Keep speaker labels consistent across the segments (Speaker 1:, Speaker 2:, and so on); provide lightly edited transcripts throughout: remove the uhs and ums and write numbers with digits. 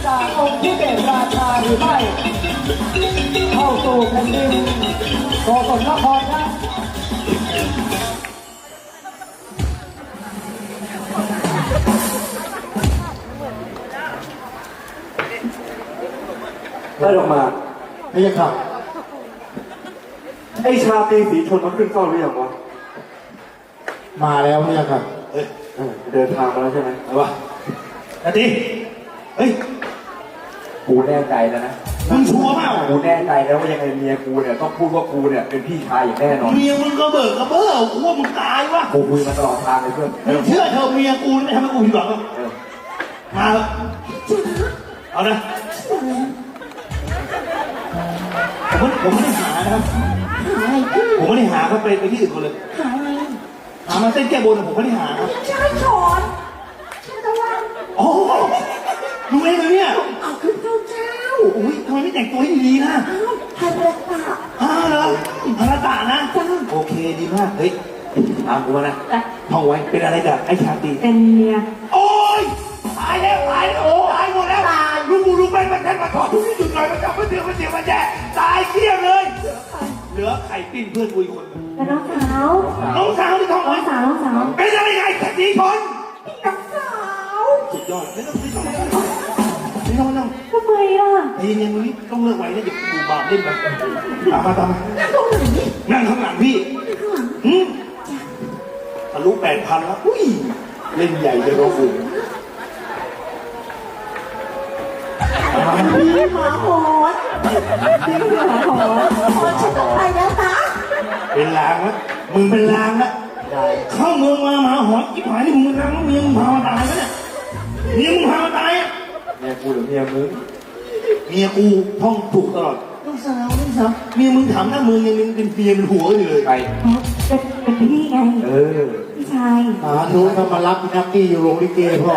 Speaker 1: จากองค์ที่เป็นราชาหรือไม่เข้าสู่แผ่นดินโกศลนครนะ
Speaker 2: ได้ออกมาไม่ยังครับไอชาตรีสีชนมาขึ้นเฝ้าหรือยังวะมาแล้วไม่ยังครับเดินทางมาแล้วใช่ไหมเอาวะนาทีเฮ้ยกูแน่ใจแล้วนะมึงชัวร์เปล่ากูแน่ใจแล้วว่ายังไงเมียกูเนี่ยต้องพูดว่ากูเนี่ยเป็นพี่ชายอย่างแน่นอน
Speaker 3: เมียมึงก็เบิกกระเบ้อกูว่ามึงตายวะ
Speaker 2: กูคุยมาตลอดทางเลยเพื่อน
Speaker 3: มึงเชื่อเธอเมียกูไม่ทำให้กูผิดหวังหรอกมาเอานะผมไม่ได้หานะครับผมไม่ได้หาเขาไปที่อื่นคนเลยหามาเต้นแก้บนผมไม่ได้หาครับ
Speaker 4: ใช่ถอนใช่ตะวัน
Speaker 3: โอ้ดูเองเลยเนี่ย
Speaker 4: เอาขึ้นเจ้าเจ้า
Speaker 3: อุ้ยทำไมไม่แต่งตัวให้ดีๆนะ
Speaker 4: ฮันเดตา
Speaker 3: เหรอฮาราตะนะโอเคดีมากเฮ้ยตามกูมานะท่องไว้เป็นอะไรกับไอ้ชาตรี
Speaker 4: เป็นเมีย
Speaker 3: โอ้ยตายแล้วโอ้ตายหมดแล้วลูกไปมาแทนมาถอดทุกที่จุดหน่อยมาจับมาเสียวมาแย่ตายเกลี้ยงเลยเหลือไข่ปิ้งเพื่อนกูอีกคน
Speaker 4: เป็นน้องสาว
Speaker 3: ที่ท้อง
Speaker 4: น้องสาว
Speaker 3: เป็นอะไรไงแค่สีชน
Speaker 4: น้องสาว
Speaker 3: สุดยอดไม่ต้อง
Speaker 4: ทำไมล่ะ
Speaker 3: เย็นๆมึงนี่ต้องเลิกไว้นะอย่าดูบาปเล่นกันตามมานั่งข้างหลังพี่ทะลุ8,000แล้วอุ้ยเล่นใหญ่จะร้องอุ่น
Speaker 4: พี่หมาหอนฉันต้องไปแล้วนะ
Speaker 3: เป็นลางแล้วมึงเป็นลางแล้วเข้าเมืองมาหมาหอนอีกหายนี่มึงเป็นลางแล้วเมียมึงพามาตายแล้วเนี่ยเมียมึงพามาตายอ่ะ
Speaker 2: เมียกูหรือเมียมึง
Speaker 3: เมียกูท่องถูกตลอดน้องสาวเมียมึงถามหน้ามึงยังเป็นเมียเป็นหัวอยู่เลย
Speaker 2: ไป
Speaker 4: เป็นพี่ไงพี่ชาย
Speaker 2: นู้นเขามารับนักกี้อยู่โรงลิเกพ่อ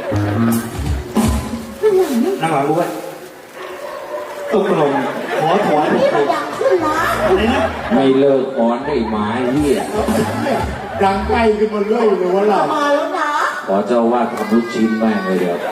Speaker 3: นั่งหลังกูไว้ต้องกลมขอถอย
Speaker 4: พี่มันดังขึ้นนะ
Speaker 3: อะไรนะ
Speaker 5: ไม่เลิกอ้อนได้ไม้เหี้ย
Speaker 2: ดังใกล้ขึ้นมาเรื่อยเลยวะล่ะ
Speaker 4: มาแล้วนะ
Speaker 5: ขอเจ้าว่าทำลูกชิ้นแม่งเลยเดี๋ยว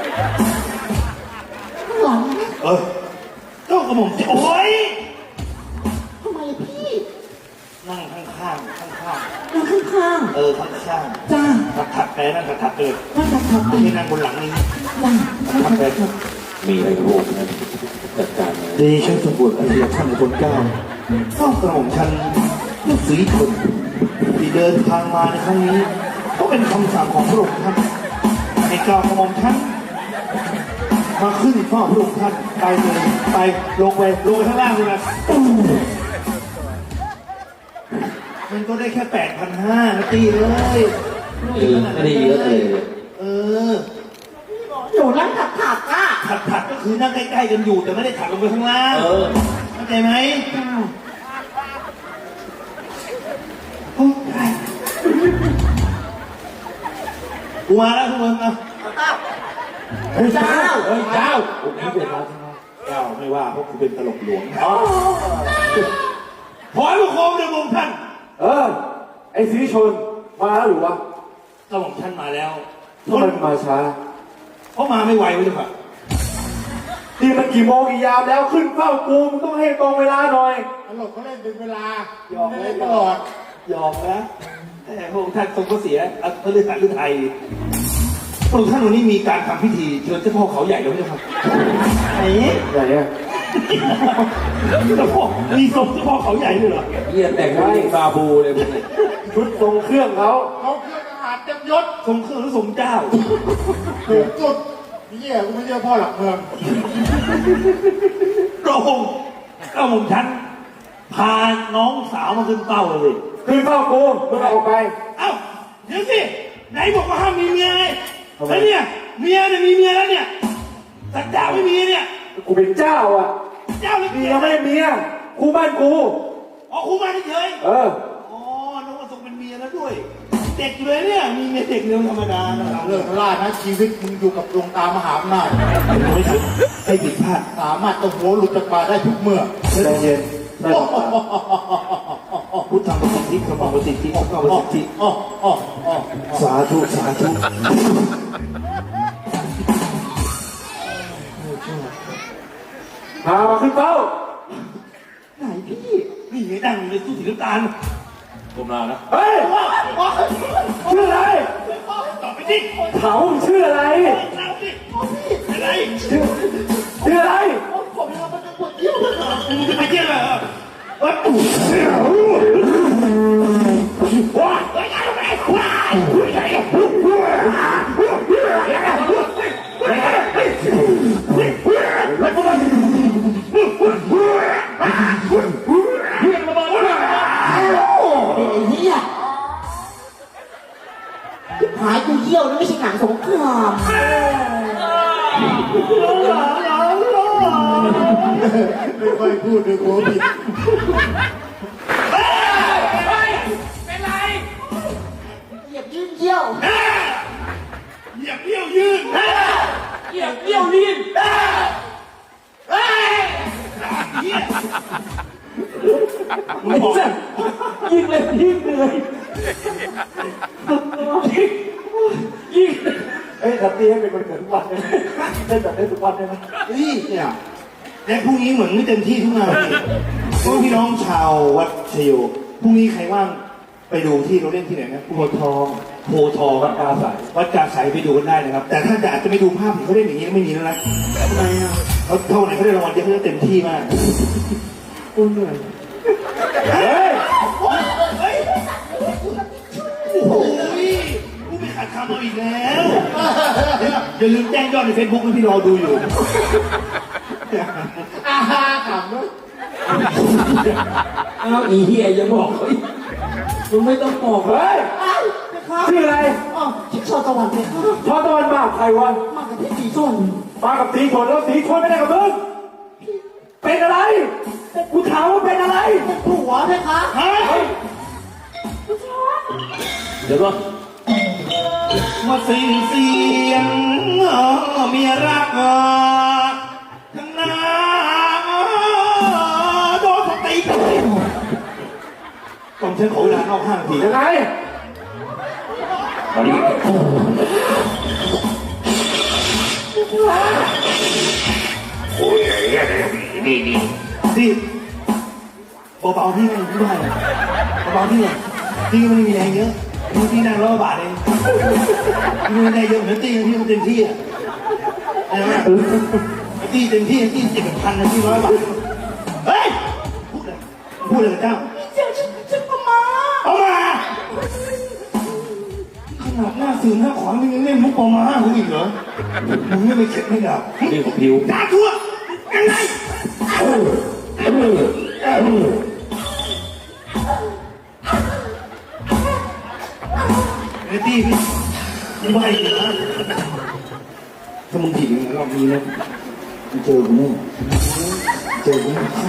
Speaker 4: หลัง
Speaker 3: เจ้ากระหม่อมโอ้ย
Speaker 4: ทำไมพี่
Speaker 3: นั่งข้าง
Speaker 4: นั่งข้าง
Speaker 3: ข้าง
Speaker 4: จ้า
Speaker 3: ถัดไปนั่งถัดเลย
Speaker 4: นั่งถัดไป
Speaker 3: ที่นั่งบนหลังนี้
Speaker 4: ถัดไป
Speaker 5: มีอะไรโลกนั้นจัดการเลย
Speaker 3: ดีฉันสมบูรณ์อันเดียท่านในคนเก้าเจ้ากระหม่อมฉันลูกศรีชนที่เดินทางมาในครั้งนี้ก็เป็นคำสั่งของพระองค์ท่านในกล่าวกระหม่อมฉันมาขึ้นเฝ้าพระองค์ท่านไปเลยไปลงไปข้างล่างเลยนะมันก็ได้แค่8,500นะตีเลย
Speaker 5: ไม่ได้เยอะเลย
Speaker 4: หนูนั่งถัดอ่ะ
Speaker 3: ถัดก็คือนั่งใกล้ๆกันอยู่แต่ไม่ได้ถัดลงไปข้างล่างเข้าใจไหมกูมาแล้วทุกคนเอา
Speaker 4: เจ้า
Speaker 3: ผมเป็นราชาเจ้าไม่ว่าเพราะกูเป็นตลกหลวงขอให้พวกโคมในวงท่าน
Speaker 2: ไอ้สีชนมาแล้วหรือวะ
Speaker 3: ก็บอกท่านมาแล้ว
Speaker 2: ทำไมมาช้า
Speaker 3: เพราะมาไม่ไหวเลยค่ะ
Speaker 2: นี่มันกี่โมงกี่ยามแล้วขึ้นเฝ้ากูมึงต้องให้ตรงเวลาหน่อย
Speaker 1: ตลกเขาเล่นเป็นเวลา
Speaker 3: หยอกเลยตลอดหยอกนะแต่พระองค์ท่านทรงก็เสียพระฤาษีฤทัยพระองค์ท่านวันนี้มีการทำพิธีเชิญเจ้าพ่อเขาใหญ่แล้วไม่ใช่ครับ
Speaker 2: ไหนเนี่ย
Speaker 3: เจ้าพ่อมีทรงเจ้าพ่อเขาใหญ่ด้วยเหรอ
Speaker 5: เยี่ยแต่งไว้บาบูเลยพวกนี้
Speaker 2: ชุดทรงเครื่องเขา
Speaker 1: เครื่องทหารเต็มยศ
Speaker 3: ทรงเครื่องหรือทรงเจ้า
Speaker 1: ถูกจุดนี่กูไม่เชื่อพ่อหลักเมือง
Speaker 3: พระองค์เจ้าหม่อมฉันพาน้องสาวมาขึ้นเป้าเลย
Speaker 2: ขึ้นเป้ากูมึงออกไป
Speaker 3: เอ้าเดี๋ยวสิไหนบอกว่าห้ามมีเมียไงไอ้เนี่ยเมียเนี่ยมีเมียแล้วเนี่ยแต่เจ้าไม่มีเนี่ย
Speaker 2: กูเป็นเจ้าอ่ะ
Speaker 3: เจ้า
Speaker 2: เมียไม่เมียคู่บ้านกู
Speaker 3: อ๋อคู่บ้านเฉย
Speaker 2: อ๋อ
Speaker 3: น้องมาส่งเป็นเมียแล้วด้วยเด็กเลยเนี่ยมีเมียเด็กเรื่องธรรมดานะ
Speaker 1: เรื่องล่านะชีวิตมึงอยู่กับดวงตามหาอำนาจ
Speaker 3: ไม่ถูกให้ผิดพลาด
Speaker 1: สามารถตะหัวหลุดจากปากได้ทุกเมื่อ
Speaker 2: ใจเย็น
Speaker 3: พุทธังประสิทธิธรรมังประสิทธิองค์เก้าประสิทธิสาธุ
Speaker 2: พามาขึ้นเป้า
Speaker 3: ไหนพี่นี่ไงดังเลยสู้สีน้ำตาล
Speaker 5: ผมลานะ
Speaker 2: เฮ้ยชื่ออะไร
Speaker 3: ตอบไปดิ
Speaker 2: เขาชื่ออะไร
Speaker 3: เอาดิอะไร
Speaker 2: ชื่ออะไร
Speaker 3: ผมจะไปปวดเยี่ยวมึงจะไปเยี่ยวเหรอว้าวว้าว
Speaker 6: หายกูเยี่ยวนี่ไม่ใช่หนังสงคราม
Speaker 2: ไม่ค่อยพูดด้วยกลัวผิด
Speaker 6: เหยียบยืนเยี่ยว
Speaker 3: เหยียบเยี่ยวยืน
Speaker 6: เหยียบเยี่ยวลีน
Speaker 2: ไม่ใช่ยิงเลยยิงเลยยิงเอ้ยทับตีให้เป็นคนเกิดทุกวันได้ไหมได้แบบได้ทุกวันได้ไหม
Speaker 3: นี่เนี่ยและพรุ่งนี้เหมือนไม่เต็มที่ทุกงานเพราะพี่น้องชาววัดชโยพรุ่งนี้ใครว่างไปดูที่เราเล่นที่ไหนนะโพธิ์ทองโพธิ์ทองวัดกาสายวัดกาสายไปดูกันได้นะครับ แต่ถ้าอาจจะไม่ดูภาพเห็นเขาเล่นอย่างนี้ไม่มีแล้วนะทำไมอ่ะเขาเท่าไหร่เขาได้รางวัลเยอะเขาจะเต็มที่มากโอ้เหนื่อย
Speaker 2: เฮ้ย
Speaker 3: โอ้ยผู้ไปขาดคำเอาอีกแล้วอย่าลืมแจ้งยอดในเฟซบุ๊กนะพี่รอดูอยู่
Speaker 6: อาฮาขำด้วย
Speaker 5: อ้าวอีเหี้ยยังบอกเขาอีกมึงไม่ต้องบอก
Speaker 2: เฮ้ย
Speaker 6: อ้าวไปครับ
Speaker 2: ชื่ออะไร
Speaker 6: อ๋อชิคชอตะวันไปครับ
Speaker 2: พอตะวันมากับใครวะ
Speaker 6: มากับพี่สีชน
Speaker 2: มากับสีชนแล้วสีชนไม่ได้กับมึงเป็นอะไรกูถามว่าเป็นอะไร
Speaker 6: เป็นผัวไหมคะ
Speaker 3: ฮะ
Speaker 5: เดี๋ยวก่อน
Speaker 3: มาเสียงเมียรักทั้งหน้าโดนสติก่อนฉันขอเวลาเข้าห้างที
Speaker 2: ยังไง
Speaker 5: ตอนนี้
Speaker 3: สิเบาๆพี่ไม่ได้เบาๆพี่เนี่ยพี่ไม่ได้มีแรงเยอะพี่นั่งร้อยบาทเองพี่ไม่ได้เยอะเหมือนตีพี่มันเต็มที่อ่ะตีเต็มที่ตี7,000นะพี่100 บาทเฮ้ยพูดเลยเจ้า
Speaker 6: เจ้าฉันประมา
Speaker 3: เอามาขนาดหน้าสื่อหน้าขวานมึงยังเล่นมุกปอมากูอีกเหรอมึงไม่เข็ดไม่ดับ
Speaker 5: นี่ของพิว
Speaker 3: ด่าทั่วยังไงไอ้ตี้พี่มึงไปอีกนะถ้ามึงผิดอย่างนั้นรอบนี้นะมึงเจอกูแน่เจอกูแน่
Speaker 4: ตั้ง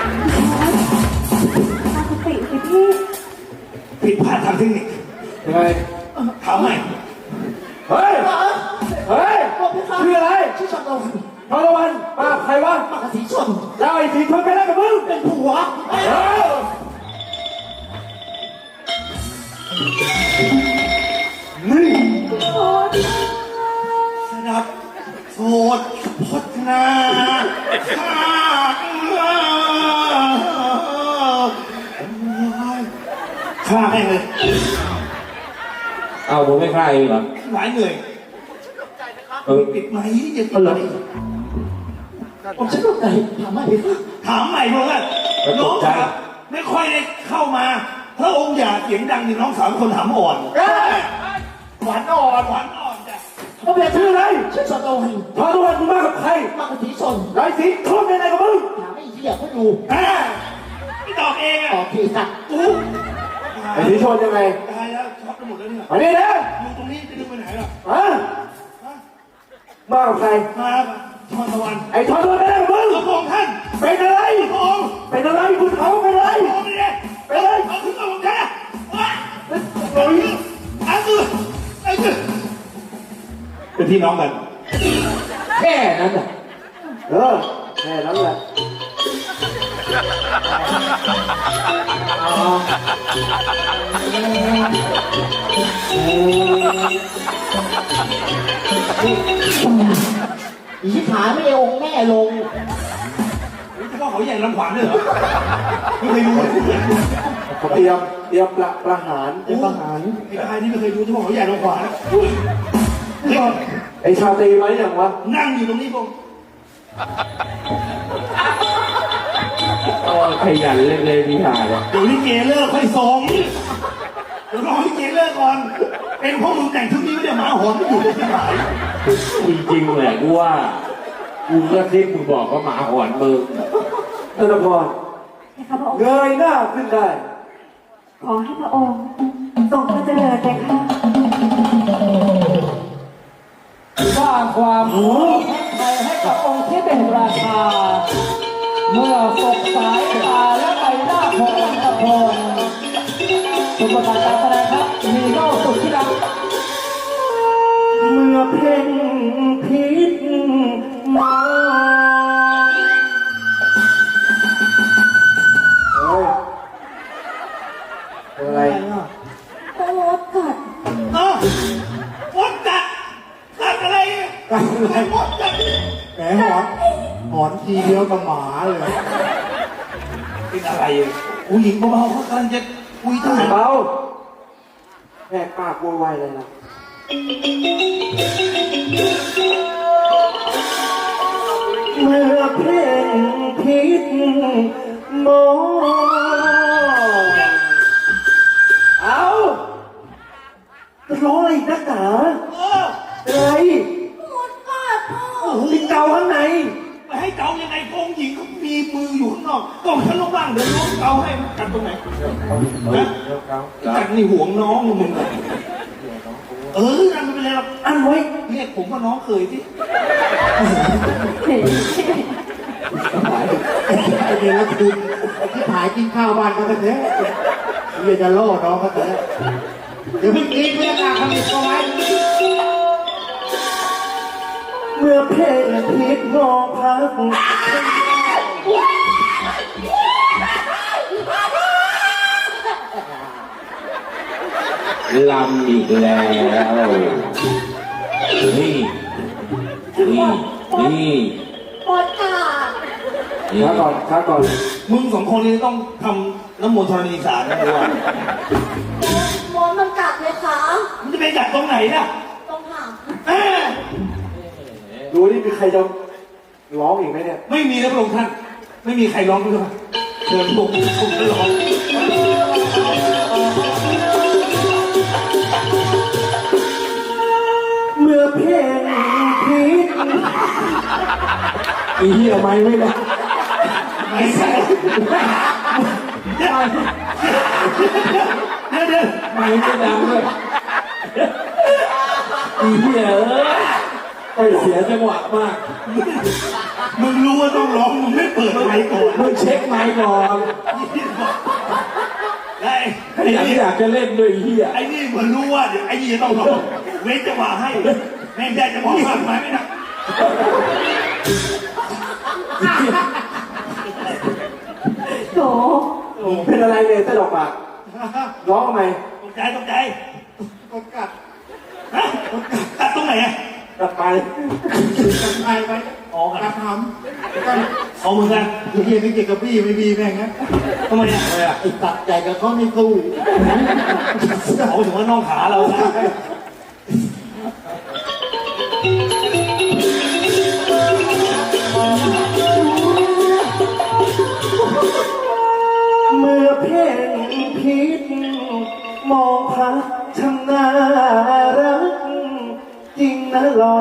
Speaker 4: สติสิพี่
Speaker 3: ผิดพลาดทางเทคนิค
Speaker 2: ยังไง
Speaker 3: ถามใหม่
Speaker 2: เฮ้ยเฮ้ยชื่ออะไร
Speaker 6: ชิคชอตะวัน
Speaker 2: พอตะวันมากับใครวะ
Speaker 6: มากับสีชน
Speaker 2: แล้วไอ้สีชนไปแล้วกับมึง
Speaker 6: เป็นผัว
Speaker 2: เฮ้ย นี่
Speaker 3: สดับโสดพจนาฆ่าให้เลย
Speaker 5: เอาผมไม่ฆ่าเองเหรอ
Speaker 3: หลายเหนื่อย ปิดไหมอย่าปิดเลย
Speaker 6: ผมฉันตกใจถามว่าพี่คะ
Speaker 3: ถามใหม่เพราะว่าน้องครับไม่ค่อยได้เข้ามาพระองค์อย่าเสียงดังนี่น้องสาวคนถามอ่อน
Speaker 2: หวานอ่อน
Speaker 3: หวานอ่อนจ้ะ
Speaker 2: เขาเป็นชื่ออะไร
Speaker 6: ชิคชอตะวัน
Speaker 2: พอตะวันมึงมากับใคร
Speaker 6: มากับสีชน
Speaker 2: แล้วไอ้สีชนไปไหนกับมึง
Speaker 6: ถามไอ้เหี้ยเขาดู
Speaker 3: ไม่ตอบเองอ่ะ
Speaker 6: ตอบพี่ค่ะ
Speaker 3: อู้
Speaker 2: ไอ้สีชนยังไง
Speaker 3: ตายแล้วช็อตไปหมดแล้วเนี่ย
Speaker 2: มานี่นะ
Speaker 3: อยู่ตรงนี้จะดึงไปไหนล่ะ
Speaker 2: ฮะมากับใคร
Speaker 3: มาชอนตะวัน
Speaker 2: ไอ้ทอนไปไหนกับมึง
Speaker 3: พระองค์ท่าน
Speaker 2: เป็นอะไร
Speaker 3: พระองค์
Speaker 2: เป็นอะไรคุณเขาเป็นอะไร
Speaker 3: พระองค์เนี่ย
Speaker 2: เป็นอะไร
Speaker 3: เอาขึ้นมาผมแค่ว้า
Speaker 2: โอ้ย
Speaker 3: ไอ้คือเป็นพี่น้องกัน
Speaker 6: แค่นั้นอ่ะ
Speaker 2: แค่นั้นแหละ
Speaker 6: อีชิบหายไม่ได้องค์แม่ลง
Speaker 3: เฉพาะเขาใหญ่ลำขวานด้วยเหรอไม่เคยดูเลย
Speaker 2: เขาเตรียมประหาร
Speaker 3: เป็นทหารไอ้ชายนี่ไม่เคยดูเฉพาะเขาใหญ่ลำขวานเฮ้ย
Speaker 2: ไอ้ชาตรีไหมอย่างวะ
Speaker 3: นั่งอยู่ตรงนี้ผม
Speaker 5: ขยันเล่นเลยพี่หายเลย
Speaker 3: เดี๋ยวลิเกเลิกค่อยส่งเดี๋ยวรอลิเกเลิกก่อน เป็นพวกมึงแต่งชุดนี้ไม่ได้หมาหอนไม่อยู่ในที่ไหน
Speaker 5: จริงๆแหละกูว่ากูก็ที่มึงบอกว่าหมาหอนมึง
Speaker 2: ธนพร
Speaker 4: นะคะพระองค์
Speaker 2: เงยหน้าขึ้นได้
Speaker 4: ขอให้พระองค์ทรงพระเจริญเลยค่ะ
Speaker 1: สร้างความรู้ใจให้กับองค์ที่เป็นราชา เมื่อสบสายตาและใบหน้าขององค์ตะพงสุภาพการแสดงครับมีโน่สุดที่ดัง
Speaker 2: เมื่อเพ่งพิษมองเฮ้ยอะไร
Speaker 4: โอ้กัด
Speaker 3: อ้าวมดกัดกัดอะไรกัดอะไรมดกัด
Speaker 2: แหมหอนทีเดียวกับหมาเลย
Speaker 3: เป็นอะไรผู้หญิงเบาๆเขากำลังจะคุยทหาร
Speaker 2: เบาแหกปากโวยวายเลยนะเมื่อเพ่งพิษมองเอาจะร้องอะไรอีกนักหนา อะไร
Speaker 4: หมดกัดพ่อ
Speaker 3: โอ้โห
Speaker 2: ติดเกาข้างใน
Speaker 3: ไปให้เกายังไงกองหญิงเขามีมืออยู่ข้างนอกกองฉันลงล่างเดี๋ยวน้องเกาให้มันกัดตรงไหนนะกัดนี่ห่วงน้องมึงนั่นไม่เป็นไรหรอก
Speaker 2: อันไว้
Speaker 3: เรียกผมว่าน้องเคยที่
Speaker 2: ไอเดียแล้วคุณที่หายกินข้าวบ้านเขาแท้เรียจะล่อน้องเขาแท้เดี๋ยวเพิ่งกินเพื่อนอาคำติดเอาไว้เมื่อเพลงพิษมองพัก
Speaker 5: ลำอีกแล้วนี่นี่
Speaker 4: หมดกัด
Speaker 5: นี่
Speaker 2: ช้าก่อน
Speaker 3: มึงสองคนนี้ต้องทำน้ำมนต์ธรณีสารนะด้วย
Speaker 4: หมดมันกัดเลยค่ะ
Speaker 3: มันจะไปกัดตรงไหนล่ะ
Speaker 4: ต้องหาง
Speaker 3: เอ้ย
Speaker 2: ดูนี่มีใครจะร้องอีกไหมเนี่ย
Speaker 3: ไม่มีนะพระองค์ท่าน ไม่มีใครร้องด้วยเชิญผมจะร้อง
Speaker 2: เมื่อเพลงพิษ
Speaker 5: อีเหี้ยไม่ได้
Speaker 3: ไม่ใช่เดี๋ยว
Speaker 5: ไม่ดังเลยอีเหี้ยเสียจังหวะมาก
Speaker 3: มึงรู้ว่าต้องร้องมึงไม่เปิดไมค์ก่อน
Speaker 5: มึงเช็คไมค์ก่อน
Speaker 3: ไอ้
Speaker 5: อยากจะเล่นด้วยไอ้เหี้ย
Speaker 3: ไอ้นี่มันรู้ว่าเดี๋ยวไอ้นี่จะต้องร้องเว้นจังหวะให้แม่งได้จังหวะมากมายไม่ได้
Speaker 4: โถ
Speaker 2: เป็นอะไรเนี่ยตลกปากร้องทำไม
Speaker 3: ตกใจตกใจ
Speaker 2: กดกัด
Speaker 3: ฮะกัดตรงไหนอ่ะ
Speaker 2: กัดไปไป
Speaker 3: อ๋อกัด
Speaker 2: กัดทำกัน
Speaker 3: เอามือกัน
Speaker 2: เฮียไม่เกี่ยวกับพี่ไม่มีแม่งนะ
Speaker 3: ทำไมอ่ะ
Speaker 2: ไอ้ตัดใหญ่กับเขาไม่สู้
Speaker 3: เอาถึงว่าน้องขาเรานะ
Speaker 2: เมื่อเพลงพิษมองพักช่างน่ารักจริงนะหลอน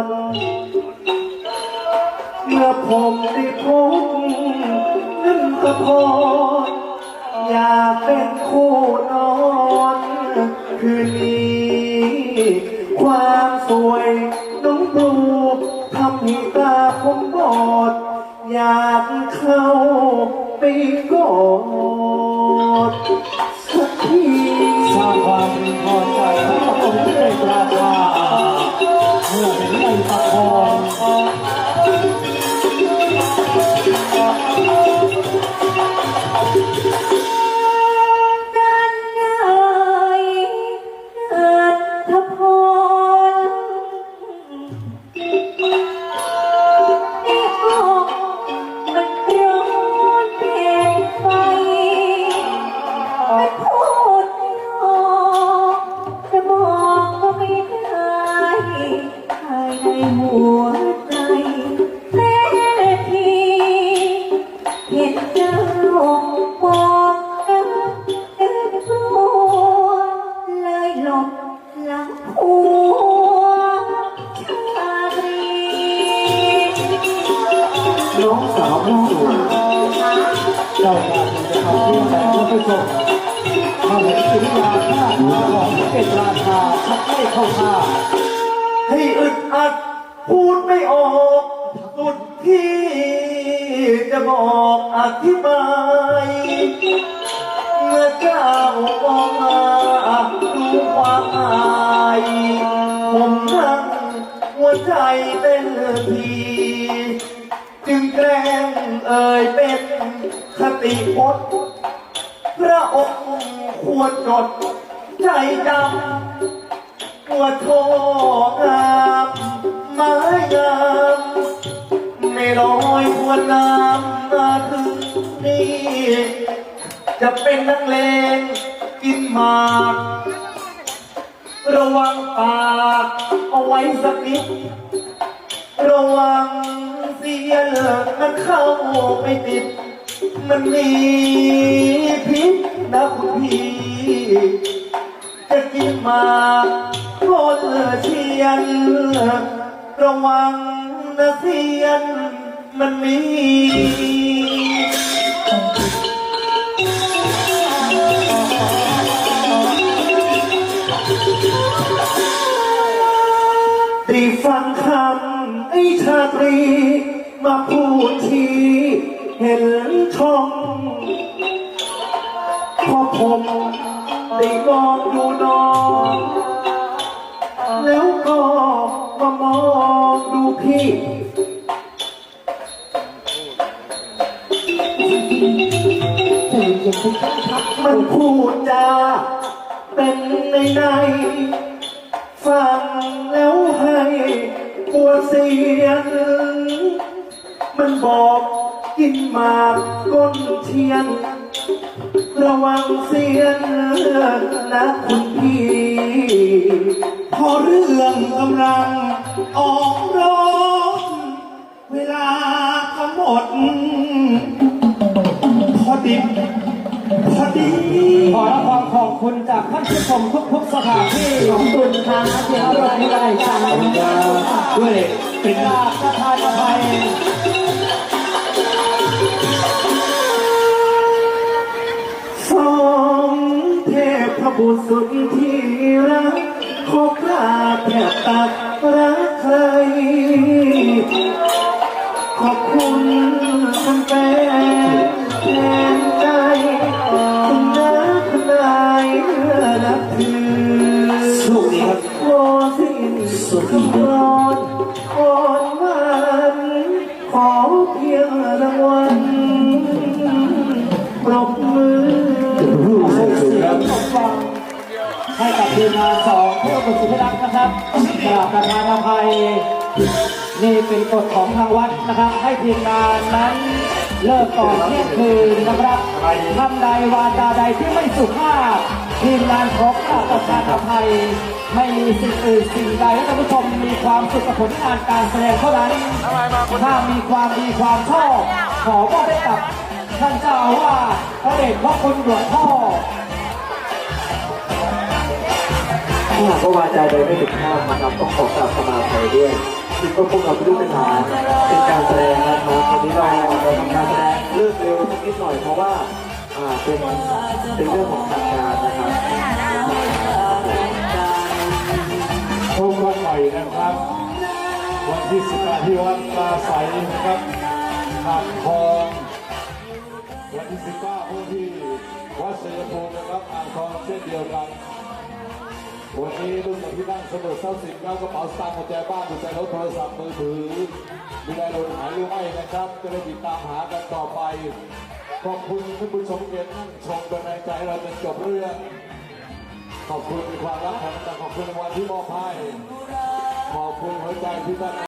Speaker 2: เมื่อผมได้พบนั่นก็พออยากเป็นคู่นอนคืนนี้ความสวยน้องดูทำให้ตาผมบอดอยากเข้าไปกอดสักที
Speaker 1: สร้างความพอใจให้กับองค์ที่เป็นราชา เมื่อเห็นในตะพง
Speaker 4: นั่นไงอัธพร
Speaker 2: น้องสาวผู้สวย
Speaker 1: เจ้าการจะทำเรื่องแต่ท่านผู้ชมมาเห็นสินค้าท่าทางของเป็นราคาชักไม่เข้าท่า
Speaker 2: ให้อึดอัดพูดไม่ออกสุดที่จะบอกอธิบายเมื่อเจ้ามองมาดูความอายผมนั่งหัวใจเต้นทีจึงแกล้งเอ่ยเป็นคติพจน์พระองค์ควรจดใจจำว่าโทงามไม้งามไม่ลอยทวนน้ำมาถึงนี่จะเป็นนักเลงกินหมากระวังปากเอาไว้สักนิดระวังเสียเลิกมันเข้าไม่ติดมันมีพิษนะคุณพี่จะกินหมากคนเชียนระวังนะเสียนมันมีได้ฟังคำไอ้ชาตรีมาพูดทีเห็นช่องพอผมได้มองดูน้องแล้วก็มามองดูพี่มันพูดจาเป็นในฟังแล้วให้ปวดเสียงมันบอกกินหมากก้นเทียนระวังเสียงนะคุณพี่
Speaker 3: พอเรื่องกำลังออกร้อนเวลาก็หมดพอดิบพอดี
Speaker 1: ขอรับความขอบคุณจากท่านผู้ชมทุกๆสถานที่ขอบคุณทางเสียงรายได้ทาง
Speaker 3: ด้วยเป็น
Speaker 1: จากสถานภัย
Speaker 2: สองเทพบุตรสุดที่รักขอกราบแทบตักรักใครขอบคุณคุณแฟนแทนใจคุณน้าคุณนายนับถือ
Speaker 3: โชคดีครับ
Speaker 2: โอ้สิ้นสุดร้อนอ่อนหวานขอเพียงรางวัลปรบมือ
Speaker 1: ให้กับทีมงานสองเพื่อบุตรสุภรักษ์นะครับกราบประธานอภัยนี่เป็นกฎของทางวัดนะครับ ให้ทีมงานนั้นเลิกก่อนเที่ยงคืนนะครับทำใดวาจาใดที่ไม่สุภาพทีมงานขอกราบประธานอภัยไม่มีสิ่งอื่นสิ่งใดให้ท่านผู้ชมมีความสุขกับผลงานการแสดงเท่านั้นถ้ามีความดีความชอบขอมอบให้กับท่านเจ้าอาวาสพระเดชพระคุณหลวงพ่อ
Speaker 2: ถ้าหากว่าวาจาใดไม่ถูกต้องนะครับต้องขอกราบขมาอภัยด้วยที่พวกเราไม่รู้เป็นหาเป็นการแสดงนะครับวันนี้เราทำการแสดงเลิกเร็วนิดหน่อยเพราะว่าเป็นเรื่องของทางการนะครับ
Speaker 5: พบกันใหม่นะครับ วันที่18ที่วัดปลาใสนะครับหาดทองวันที่19ผู้ที่วัดเสรีภูมินะครับอ่างทองเช่นเดียวกันวันนี้รุ่นที่นั่งเสมอทรัพย์สินแล้วกระเป๋าสตางค์กุญแจบ้านกุญแจรถโทรศัพท์มือถือมีอะไรหล่นหายหรือไม่นะครับจะได้ติดตามหากันต่อไปขอบคุณท่านผู้ชมเกียรตินั่งชมเป็นแรงใจให้เราจนจบเรื่องขอบคุณความรักของท่านขอบคุณรางวัลที่มอบให้ขอบคุณหัวใจที่ท่าน